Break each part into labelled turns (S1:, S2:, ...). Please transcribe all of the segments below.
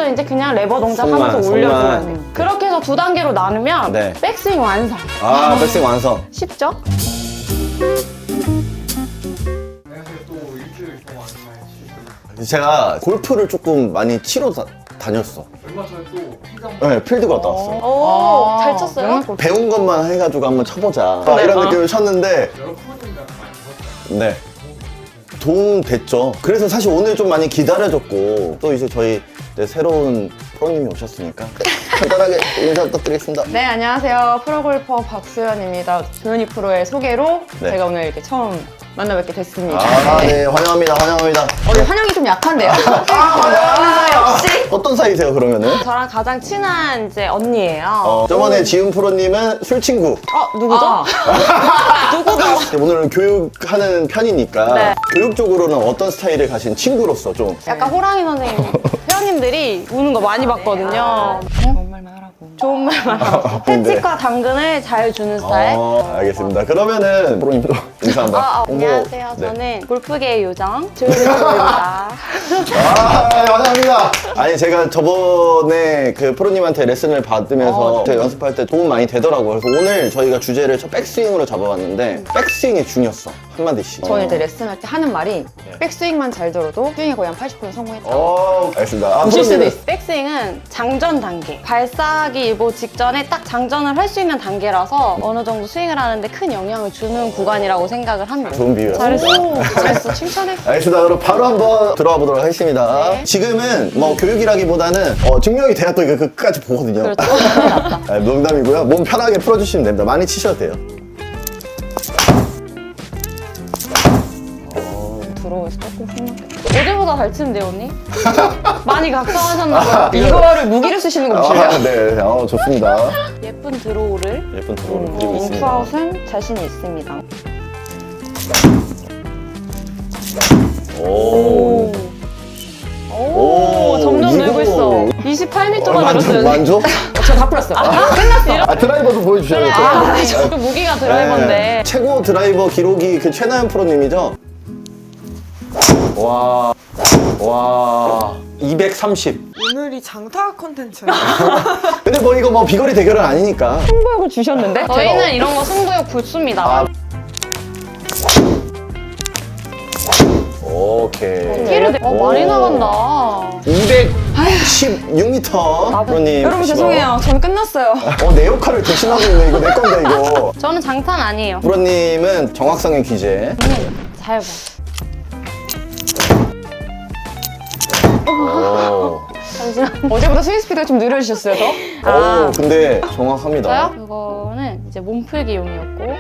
S1: 손만 이제 그냥 레버 동작
S2: 손만,
S1: 하면서 올려줘야
S2: 손만.
S1: 돼요. 그렇게 해서 두 단계로 나누면
S2: 네.
S1: 백스윙 완성.
S2: 아, 백스윙 완성.
S1: 쉽죠?
S3: 안녕하세요. 또 일주일 동안 잘 치셨어요.
S2: 제가 골프를 조금 많이 치러 다녔어.
S3: 얼마 전에 또 피장
S2: 네, 필드 갔다 왔어.
S1: 오, 잘 쳤어요?
S2: 배운 것만 해가지고 한번 쳐보자.
S1: 네.
S2: 이런 느낌을 쳤는데,
S3: 여러 프로님들한테 많이 배웠어요.
S2: 네. 도움 됐죠. 그래서 사실 오늘 좀 많이 기다려줬고, 또 이제 저희 네, 새로운 프로님이 오셨으니까 간단하게 인사 부탁드리겠습니다.
S4: 네, 안녕하세요. 프로골퍼 박수연입니다. 조현이 프로의 소개로
S2: 네.
S4: 제가 오늘 이렇게 처음 만나뵙게 됐습니다.
S2: 아, 네, 환영합니다, 환영합니다.
S4: 오늘 환영이 좀 약한데요? 역시.
S2: 어떤 사이세요, 그러면은?
S1: 저랑 가장 친한 이제 언니예요.
S2: 저번에 지훈 프로님은 술 친구.
S1: 누구죠?
S4: 아,
S1: 누구죠?
S2: 오늘은 교육하는 편이니까
S1: 네.
S2: 교육 쪽으로는 어떤 스타일을 가신 친구로서 좀
S1: 약간 호랑이 선생님. 회원님들이 우는 거 많이 봤거든요.
S4: 좋은 말만 하라고.
S1: 좋은 말만 하고.
S2: 근데-
S1: 패치과 당근을 잘 주는 스타일.
S2: 알겠습니다. 그러면은 프로님도 인사 한번.
S1: 안녕하세요.
S2: 네.
S1: 저는 골프계의 요정 조윤호입니다.
S2: 환영합니다. 아니 제가 저번에 그 프로님한테 레슨을 받으면서 제가 연습할 때 도움 많이 되더라고요. 그래서 오늘 저희가 주제를 백스윙으로 잡아봤는데 백스윙이 중요했어. 한마디씩.
S4: 저는 이제 레슨할 때 하는 말이 백스윙만 잘 들어도 스윙이 거의 한 80% 성공했다.
S2: 알겠습니다.
S4: 보실 수도 있어.
S1: 백스윙은 장전 단계. 발사하기 일보 직전에 딱 장전을 할 수 있는 단계라서 어느 정도 스윙을 하는데 큰 영향을 주는 구간이라고 생각을 합니다.
S2: 좋은 비유야.
S1: 잘했어. 칭찬해.
S2: 알겠습니다. 그럼 바로 한번 들어가 보도록 하겠습니다. 지금은 뭐 교육이라기보다는 증명이 돼야 또 이거 끝까지 보거든요.
S1: 그렇죠.
S2: 농담이고요. 몸 편하게 풀어주시면 됩니다. 많이 치셔도 돼요.
S4: 들어오면서 조금 힘들게.
S1: 어제보다 잘 치는데요, 언니? 많이 각성하셨나 봐요.
S4: 이거를 무기를 쓰시는 거 보실래요?
S2: 네, 좋습니다.
S1: 예쁜 드로우를
S2: 예쁜 드로우를 그리고 있습니다.
S1: 인투아웃은 자신이 있습니다.
S2: 오.
S1: 오, 점점
S2: 이거-
S1: 늘고 있어. 28m가
S2: 만족,
S1: 늘었어요.
S2: 만족?
S4: 저 다 풀었어요.
S2: 드라이버도 보여주셔야죠.
S1: 그 무기가 드라이버인데.
S2: 최고 드라이버 기록이 그 최나연 프로님이죠? 와. 230.
S5: 오늘이 장타 컨텐츠예요.
S2: 근데 뭐 이거 뭐 비거리 대결은 아니니까.
S4: 승부욕을 주셨는데?
S1: 저희는 이런 거 승부욕 붙습니다.
S2: 아. 오케이.
S1: 티를 많이 나간다.
S2: 216m 프로님.
S4: 여러분 죄송해요. 저는 끝났어요.
S2: 내 역할을 대신하고 있네. 이거 내 건데 이거.
S1: 저는 장탄 아니에요.
S2: 프로님은 정확성의 귀재.
S1: 잘 봐.
S2: 오.
S1: 잠시만.
S4: 어제보다 스윙 스피드가 좀 느려지셨어요, 더?
S2: 오, 근데 정확합니다.
S1: 저요? 그거는 이제 몸풀기용이었고.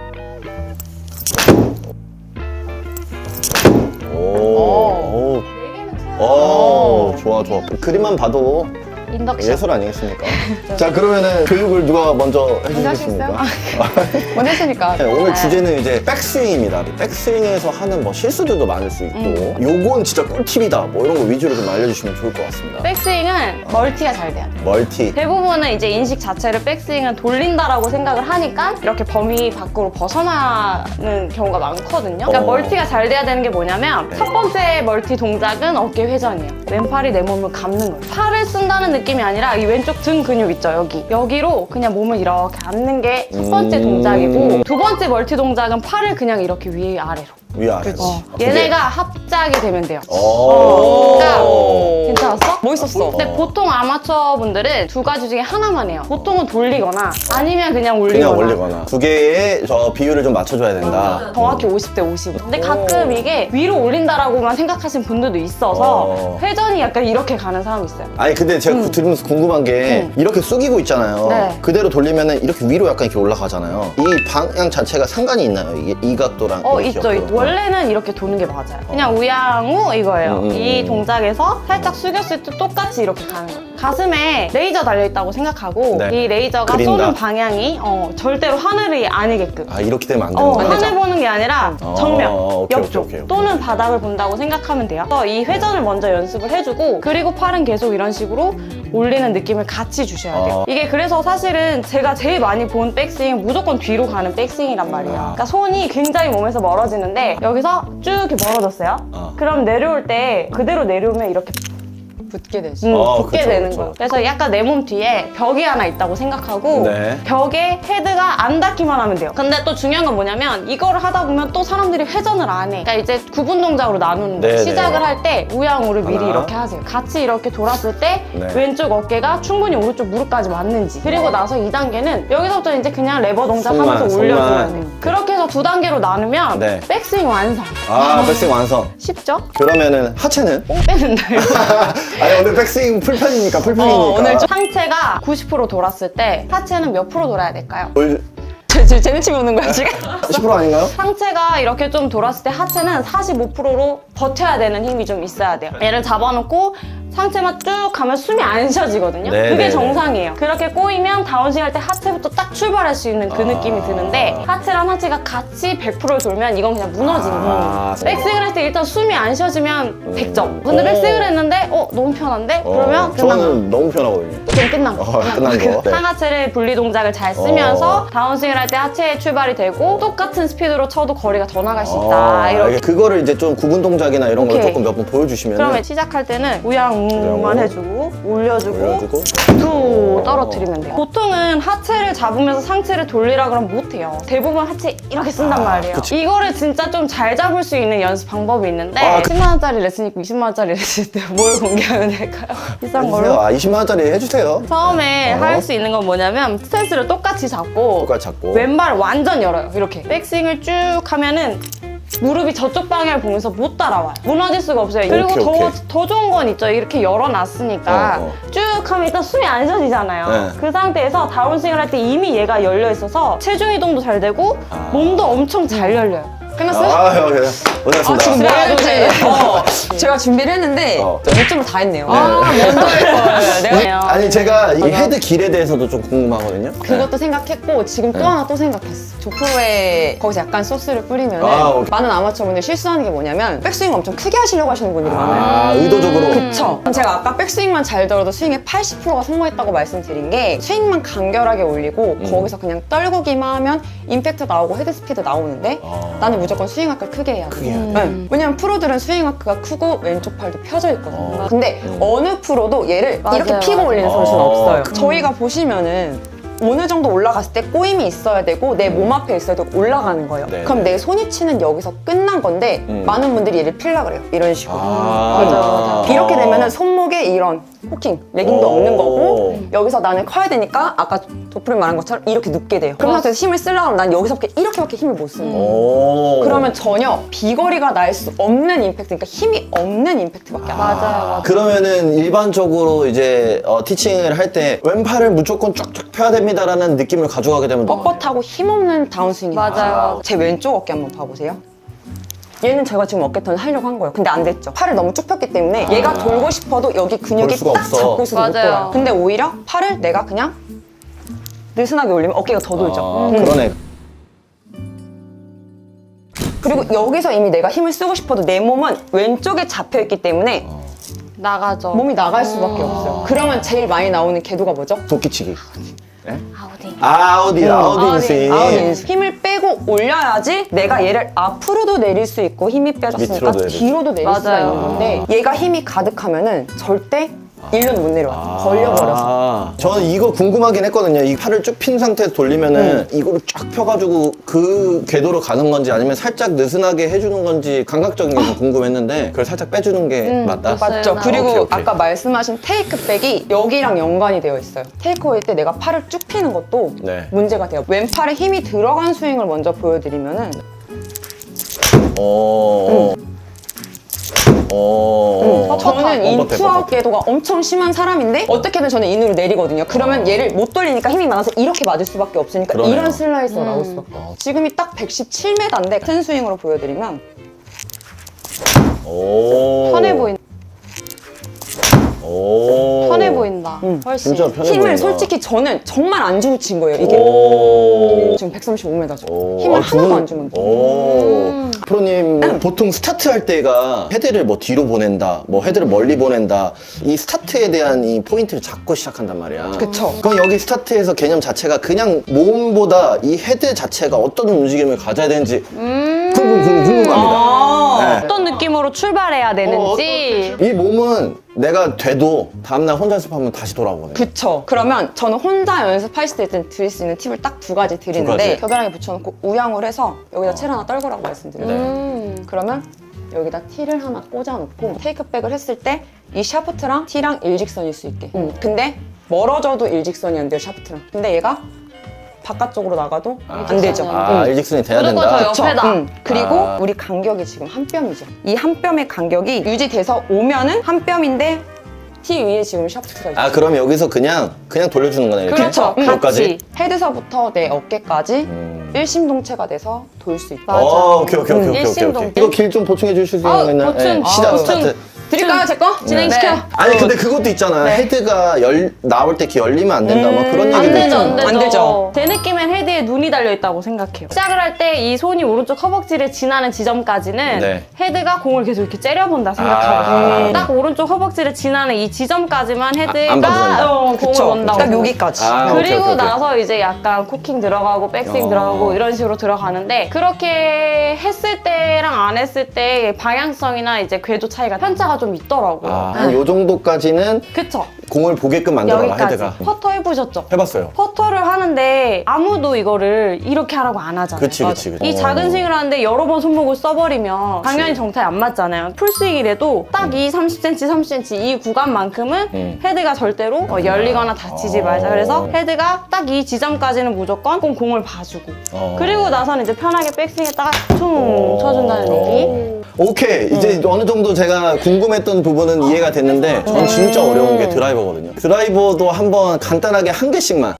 S2: 오. 오, 좋아. 그림만 봐도
S1: 인덕션.
S2: 예술 아니겠습니까? 자, 그러면은 교육을 누가 먼저 해주시겠습니까?
S4: 먼저 했으니까.
S2: 네, 오늘 주제는 이제 백스윙입니다. 백스윙에서 하는 뭐 실수들도 많을 수 있고, 요건 진짜 꿀팁이다. 뭐 이런 거 위주로 좀 알려주시면 좋을 것 같습니다.
S1: 백스윙은 멀티가 잘 돼야 돼.
S2: 멀티.
S1: 대부분은 이제 인식 자체를 백스윙은 돌린다라고 생각을 하니까 이렇게 범위 밖으로 벗어나는 경우가 많거든요. 그러니까 멀티가 잘 돼야 되는 게 뭐냐면 첫 번째 멀티 동작은 어깨 회전이에요. 왼팔이 내 몸을 감는 거예요. 팔을 쓴다는 느낌이 아니라 이 왼쪽 등 근육 있죠, 여기로 그냥 몸을 이렇게 앉는 게 첫 번째 동작이고 두 번째 멀티 동작은 팔을 그냥 이렇게 위아래로.
S2: 위아래로.
S1: 얘네가 합작이 되면 돼요.
S2: 그러니까
S1: 괜찮았어?
S4: 멋있었어.
S1: 근데 보통 아마추어 분들은 두 가지 중에 하나만 해요. 보통은 돌리거나 아니면 그냥 올리거나.
S2: 그냥 올리거나. 두 개의 저 비율을 좀 맞춰줘야 된다.
S1: 정확히 50대 50. 근데 가끔 이게 위로 올린다라고만 생각하시는 분들도 있어서 회전이 약간 이렇게 가는 사람이 있어요.
S2: 아니 근데 제가 들으면서 궁금한 게 이렇게 숙이고 있잖아요.
S1: 네.
S2: 그대로 돌리면은 이렇게 위로 약간 이렇게 올라가잖아요. 이 방향 자체가 상관이 있나요? 이게 이 각도랑 이
S1: 있죠.
S2: 각도랑?
S1: 원래는 이렇게 도는 게 맞아요. 그냥 우양우 이거예요. 이 동작에서 살짝 숙였을 때 똑같이 이렇게 가는 거예요. 가슴에 레이저 달려있다고 생각하고
S2: 네.
S1: 이 레이저가
S2: 그린다.
S1: 쏘는 방향이 절대로 하늘이 아니게끔
S2: 이렇게 되면 안 되는 거야.
S1: 하늘 보는 게 아니라 정면,
S2: 오케이,
S1: 옆쪽
S2: 오케이.
S1: 또는 바닥을 본다고 생각하면 돼요. 그래서 이 회전을 먼저 연습을 해주고 그리고 팔은 계속 이런 식으로 올리는 느낌을 같이 주셔야 돼요. 이게 그래서 사실은 제가 제일 많이 본 백스윙 무조건 뒤로 가는 백스윙이란 말이에요. 그러니까 손이 굉장히 몸에서 멀어지는데 여기서 쭉 이렇게 멀어졌어요. 그럼 내려올 때 그대로 내려오면 이렇게
S4: 붙게 되지.
S1: 붙게
S2: 그쵸,
S1: 되는
S2: 그쵸.
S1: 거예요. 그래서 약간 내 몸 뒤에 벽이 하나 있다고 생각하고
S2: 네.
S1: 벽에 헤드가 안 닿기만 하면 돼요. 근데 또 중요한 건 뭐냐면 이거를 하다 보면 또 사람들이 회전을 안 해. 그러니까 이제 구분 동작으로 나누는 거예요.
S2: 네,
S1: 시작을
S2: 네.
S1: 할 때 우양우를 미리
S2: 하나.
S1: 이렇게 하세요. 같이 이렇게 돌았을 때
S2: 네.
S1: 왼쪽 어깨가 충분히 오른쪽 무릎까지 맞는지. 그리고 나서 2단계는 여기서부터 이제 그냥 레버 동작
S2: 손만,
S1: 하면서 올려줘야
S2: 손만.
S1: 돼요. 그렇게 해서 2단계로 나누면
S2: 네.
S1: 백스윙 완성.
S2: 백스윙 완성.
S1: 쉽죠?
S2: 그러면은 하체는?
S1: 뽕 빼는다 이거.
S2: 아니 오늘 백스윙 풀편이니까 풀편이니까.
S1: 오늘 좀 상체가 90% 돌았을 때 하체는 몇 프로 돌아야 될까요?
S4: 지금 재능치고 오는 거야 지금?
S2: 10% 아닌가요?
S1: 상체가 이렇게 좀 돌았을 때 하체는 45%로 버텨야 되는 힘이 좀 있어야 돼요. 얘를 잡아놓고 상체만 쭉 가면 숨이 안 쉬어지거든요.
S2: 네,
S1: 그게
S2: 네,
S1: 정상이에요. 그렇게 꼬이면 다운스윙 할 때 하체부터 딱 출발할 수 있는 그 느낌이 드는데 하체랑 하체가 같이 100%를 돌면 이건 그냥 무너지는 거예요. 백스윙을 할 때 일단 숨이 안 쉬어지면 100점. 근데 백스윙을 했는데 너무 편한데? 그러면 끝난 거.
S2: 저는 너무 편하거든요.
S1: 좀 끝난 거.
S2: 끝난 거. 네.
S1: 상하체를 분리 동작을 잘 쓰면서 다운스윙을 할 때 하체에 출발이 되고 똑같은 스피드로 쳐도 거리가 더 나갈 수 있다. 이렇게.
S2: 그거를 이제 좀 구분 동작이나 이런 걸
S1: 오케이.
S2: 조금 몇 번 보여주시면
S1: 그러면 시작할 때는 우양우만 해주고 올려주고
S2: 올려주고
S1: 툭 떨어뜨리면 돼요. 보통은 하체를 잡으면서 상체를 돌리라 그러면 못해요. 대부분 하체 이렇게 쓴단 말이에요.
S2: 그치.
S1: 이거를 진짜 좀 잘 잡을 수 있는 연습 방법이 있는데 10만 원짜리 레슨 있고 20만 원짜리 레슨 있을 때 뭘 공개하면 될까요? 비싼 걸로?
S2: 20만 원짜리 해주세요.
S1: 처음에 할 수 있는 건 뭐냐면 스탠스를 똑같이 잡고
S2: 똑같이 잡고.
S1: 왼발을 완전 열어요. 이렇게 백스윙을 쭉 하면은 무릎이 저쪽 방향을 보면서 못 따라와요. 무너질 수가 없어요. 그리고
S2: 오케이, 오케이.
S1: 더 좋은 건 있죠. 이렇게 열어놨으니까 쭉 하면 일단 숨이 안 쉬어지잖아요.
S2: 네.
S1: 그 상태에서 다운스윙을 할 때 이미 얘가 열려 있어서 체중 이동도 잘 되고 몸도 엄청 잘 열려요.
S4: 끝났어요?
S2: 그래. 고생하셨습니다.
S4: 지금 뭐 해야
S1: 네.
S4: 될지 제가 준비를 했는데
S2: 어.
S4: 요점을 다 했네요.
S1: 먼저 할 거예요. 내가
S2: 아니 제가 이 헤드 길에 대해서도 좀 궁금하거든요.
S4: 그것도 생각했고 지금 또 하나 또 생각했어. 조프로에 거기서 약간 소스를 뿌리면
S2: 오케이.
S4: 많은 아마추어분들이 실수하는 게 뭐냐면 백스윙 엄청 크게 하시려고 하시는 분들이 많아요.
S2: 의도적으로.
S4: 그쵸. 제가 아까 백스윙만 잘 들어도 스윙의 80%가 성공했다고 말씀드린 게 스윙만 간결하게 올리고 거기서 그냥 떨구기만 하면 임팩트 나오고 헤드 스피드 나오는데 나는 무조건 스윙 아크를 크게 해야 돼.
S2: 크게 해야 돼.
S4: 네. 왜냐면 프로들은 스윙 아크가 크고 왼쪽 팔도 펴져 있거든요. 근데 어느 프로도 얘를
S1: 맞아요,
S4: 이렇게 피고
S1: 맞아요.
S4: 올리는 선수는 없어요.
S2: 그-
S4: 저희가 보시면은 어느 정도 올라갔을 때 꼬임이 있어야 되고 내 몸 앞에 있어야 되고 올라가는 거예요.
S2: 네,
S4: 그럼
S2: 네.
S4: 내 손이 치는 여기서 끝난 건데 많은 분들이 얘를 필라 그래요. 이런 식으로.
S2: 맞아.
S4: 이렇게 되면은 손목에 이런 호킹, 레깅도
S2: 오.
S4: 없는 거고 여기서 나는 커야 되니까 아까 도프린 말한 것처럼 이렇게 눕게 돼요. 그런 상태에서 힘을 쓰려고 하면 난 여기서밖에 이렇게밖에 힘을 못 쓰는 거예요.
S2: 오.
S4: 그러면 전혀 비거리가 날 수 없는 임팩트, 그러니까 힘이 없는 임팩트밖에 안 나요.
S1: 맞아요.
S2: 그러면은 일반적으로 이제 티칭을 할 때 왼팔을 무조건 쫙쫙 펴야 됩니다라는 느낌을 가져가게 되면
S4: 뻣뻣하고 힘없는 다운스윙이
S1: 맞아요.
S4: 나와요. 제 왼쪽 어깨 한번 봐보세요. 얘는 제가 지금 어깨턴을 하려고 한 거예요. 근데 안 됐죠. 팔을 너무 쭉 폈기 때문에 얘가 돌고 싶어도 여기 근육이
S2: 돌 수가
S4: 딱
S2: 없어.
S4: 잡고 있어서 못
S1: 맞아요.
S4: 돌아요. 근데 오히려 팔을 내가 그냥 느슨하게 올리면 어깨가 더 돌죠.
S2: 그러네.
S4: 그리고 여기서 이미 내가 힘을 쓰고 싶어도 내 몸은 왼쪽에 잡혀있기 때문에
S1: 나가죠.
S4: 몸이 나갈 수밖에 없어요. 그러면 제일 많이 나오는 궤도가 뭐죠?
S2: 도끼치기.
S1: 아우디.
S2: 아우디 인스윙.
S4: 아웃인스. 힘을 빼고 올려야지 내가 얘를 앞으로도 내릴 수 있고 힘이 빼졌으니까
S2: 밑으로도 내릴 수
S4: 뒤로도 내릴 수가
S1: 맞아요.
S4: 있는 건데 얘가 힘이 가득하면은 절대 일로는 못 내려와요. 걸려버려서.
S2: 저는 이거 궁금하긴 했거든요. 이 팔을 쭉 핀 상태에서 돌리면은 이거를 쫙 펴가지고 그 궤도로 가는 건지 아니면 살짝 느슨하게 해주는 건지 감각적인 게 좀 궁금했는데 그걸 살짝 빼주는 게 맞다?
S4: 맞죠.
S1: 맞아요.
S4: 그리고
S2: 오케이, 오케이.
S4: 아까 말씀하신 테이크백이 여기랑 연관이 되어 있어요. 테이크어웨이 때 내가 팔을 쭉 피는 것도
S2: 네.
S4: 문제가 돼요. 왼팔에 힘이 들어간 스윙을 먼저 보여드리면은 저는 인투아웃 궤도가 엄청 심한 사람인데 어떻게든 저는 인으로 내리거든요. 그러면 얘를 못 돌리니까 힘이 많아서 이렇게 맞을 수밖에 없으니까
S2: 그러네요.
S4: 이런 슬라이스가 나올 수밖에 없어요. 지금이 딱 117m인데 같은 스윙으로 보여드리면
S1: 편해 보인다.
S2: 오.
S1: 편해 보인다. 훨씬.
S2: 진짜 편해
S4: 힘을
S2: 보인다.
S4: 솔직히 저는 정말 안 주고 친 거예요. 이게
S2: 오.
S4: 지금 135m죠.
S2: 오.
S4: 힘을
S2: 아, 두 분-
S4: 하나도 안 주면 돼.
S2: 오. 프로님 뭐 보통 스타트 할 때가 헤드를 뭐 뒤로 보낸다, 뭐 헤드를 멀리 보낸다, 이 스타트에 대한 이 포인트를 잡고 시작한단 말이야.
S4: 그쵸.
S2: 그럼 여기 스타트에서 개념 자체가 그냥 몸보다 이 헤드 자체가 어떤 움직임을 가져야 되는지 궁금합니다.
S1: 어떤 느낌으로 출발해야 되는지.
S2: 이 몸은 내가 돼도 다음날 혼자 연습하면 다시 돌아오거든요.
S4: 그쵸. 그러면 저는 혼자 연습하실 때 일단 드릴 수 있는 팁을 딱 두 가지 드리는데
S2: 가지.
S4: 겨드랑이 붙여놓고 우양을 해서 여기다 칠 하나 떨구라고 말씀드려요.
S2: 네.
S4: 그러면 여기다 티를 하나 꽂아놓고 테이크백을 했을 때 이 샤프트랑 티랑 일직선일 수 있게. 근데 멀어져도 일직선이 안 돼요, 샤프트랑. 근데 얘가 바깥쪽으로 나가도 안 되죠.
S2: 일직선이 돼야
S1: 무조건
S2: 된다.
S1: 저 옆에다.
S4: 그리고
S2: 아.
S4: 우리 간격이 지금 한 뼘이죠. 이 한 뼘의 간격이 유지돼서 오면은 한 뼘인데 티 위에 지금 샤프트가 있죠.
S2: 아, 그럼 여기서 그냥 돌려주는 거네, 이렇게?
S1: 그렇죠.
S2: 여기까지?
S4: 헤드서부터 내 어깨까지 일심동체가 돼서 돌 수 있다.
S1: 맞아.
S2: 오케이.
S1: 일심동체.
S2: 이거 길 좀 보충해 주실 수 있나요?
S1: 보충.
S2: 시작
S1: 보충.
S2: 스타트.
S4: 드릴까요, 제 거?
S1: 진행시켜.
S4: 네.
S2: 아니 근데 그것도 있잖아요. 헤드가 나올 때 귀 열리면 안 된다. 막 그런
S1: 안
S2: 얘기도
S1: 되죠,
S2: 있잖아요.
S1: 안 되죠.
S4: 안 되죠.
S1: 제 느낌엔 헤드에 눈이 달려있다고 생각해요. 시작을 할 때 이 손이 오른쪽 허벅지를 지나는 지점까지는
S2: 네.
S1: 헤드가 공을 계속 이렇게 째려본다
S2: 아.
S1: 생각하거든요. 딱 오른쪽 허벅지를 지나는 이 지점까지만
S2: 안 봐도
S1: 헤드가
S2: 된다.
S1: 공을
S4: 그쵸.
S1: 원다고
S4: 딱
S1: 생각해요.
S4: 여기까지.
S2: 아,
S1: 그리고
S2: 오케이.
S1: 나서 이제 약간 코킹 들어가고 백스윙 들어가고 이런 식으로 들어가는데 그렇게 했을 때랑 안 했을 때 방향성이나 이제 궤도 차이가 편차가 좀 있더라고요.
S2: 한 요 정도까지는
S1: 그쵸?
S2: 공을 보게끔 만들어라,
S1: 여기까지.
S2: 헤드가.
S1: 퍼터 해보셨죠?
S2: 해봤어요.
S1: 퍼터를 하는데 아무도 이거를 이렇게 하라고 안 하잖아요.
S2: 그치.
S1: 이 작은 스윙을 하는데 여러 번 손목을 써버리면 당연히 정타에 안 맞잖아요. 풀스윙이라도 딱 이 30cm, 30cm 이 구간만큼은 헤드가 절대로 열리거나 다치지 말자. 그래서 헤드가 딱 이 지점까지는 무조건 공을 봐주고 그리고 나서는 이제 편하게 백스윙했다가 퉁 쳐준다는 얘기.
S2: 오케이. 이제 어느 정도 제가 궁금했던 부분은 이해가 됐는데 전 진짜 어려운 게 드라이버거든요. 드라이버도 한번 간단하게 한 개씩만.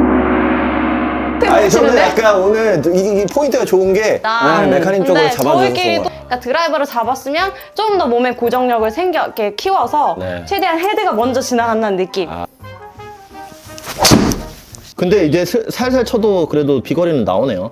S2: 아니 저는 약간 오늘 이 포인트가 좋은 게 메카님 쪽으로
S1: 근데
S2: 잡아주는
S1: 저희끼리도 그러니까 드라이버를 잡았으면 좀 더 몸에 고정력을 이렇게 키워서
S2: 네.
S1: 최대한 헤드가 먼저 지나간다는 느낌.
S2: 근데 이제 살살 쳐도 그래도 비거리는 나오네요.